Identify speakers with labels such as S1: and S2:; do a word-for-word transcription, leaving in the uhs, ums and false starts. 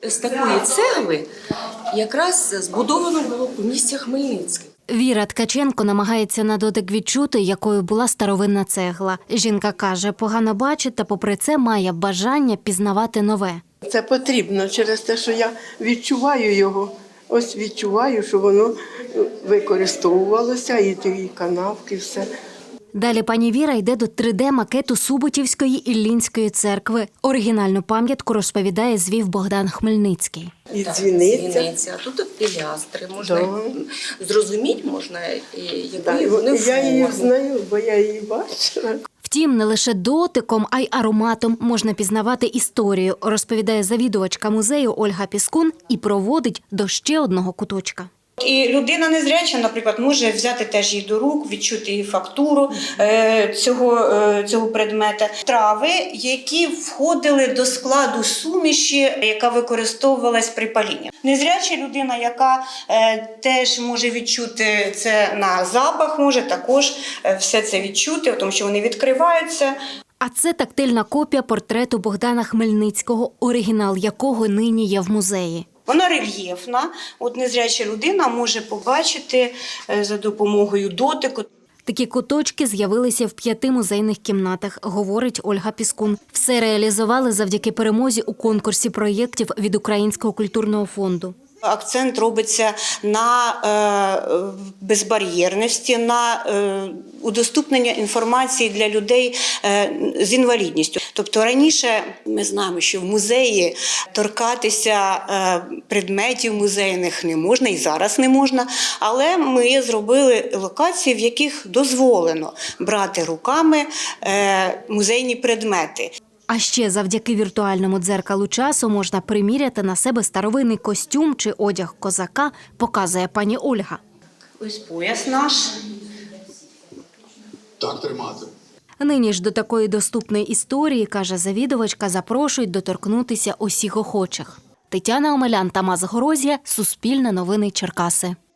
S1: З такої цегли якраз збудовано було помістя Хмельницьке.
S2: Віра Ткаченко намагається на дотик відчути, якою була старовинна цегла. Жінка каже, погано бачить та попри це має бажання пізнавати нове.
S3: Це потрібно через те, що я відчуваю його. Ось відчуваю, що воно використовувалося, і ті канавки, все.
S2: Далі пані Віра йде до три де-макету Суботівської Іллінської церкви. Оригінальну пам'ятку, розповідає, звів Богдан Хмельницький.
S3: І
S1: Так,
S3: дзвіниця.
S1: дзвіниця. Тут пілястри. Можна
S3: Да.
S1: зрозуміти, можна, якої
S3: Так,
S1: вони
S3: я її
S1: форми.
S3: знаю, бо я її бачила.
S2: Втім, не лише дотиком, а й ароматом можна пізнавати історію, розповідає завідувачка музею Ольга Піскун і проводить до ще одного куточка.
S4: І людина незряча, наприклад, може взяти теж її до рук, відчути її фактуру е, цього, е, цього предмета. Трави, які входили до складу суміші, яка використовувалась при палінні. Незряча людина, яка е, теж може відчути це на запах, може також е, все це відчути, тому що вони відкриваються.
S2: А це тактильна копія портрету Богдана Хмельницького, оригінал якого нині є в музеї.
S4: Вона рельєфна, от незряча людина може побачити за допомогою дотику.
S2: Такі куточки з'явилися в п'яти музейних кімнатах, говорить Ольга Піскун. Все реалізували завдяки перемозі у конкурсі проєктів від Українського культурного фонду.
S4: Акцент робиться на е, безбар'єрності, на е, удоступнення інформації для людей е, з інвалідністю. Тобто раніше ми знаємо, що в музеї торкатися е, предметів музейних не можна і зараз не можна, але ми зробили локації, в яких дозволено брати руками е, музейні предмети.
S2: А ще завдяки віртуальному дзеркалу часу можна приміряти на себе старовинний костюм чи одяг козака, показує пані Ольга.
S4: Ось пояс наш.
S5: Так тримати.
S2: Нині ж до такої доступної історії, каже завідувачка, запрошують доторкнутися усіх охочих. Тетяна Омелян, Тамас Горозія, Суспільне новини Черкаси.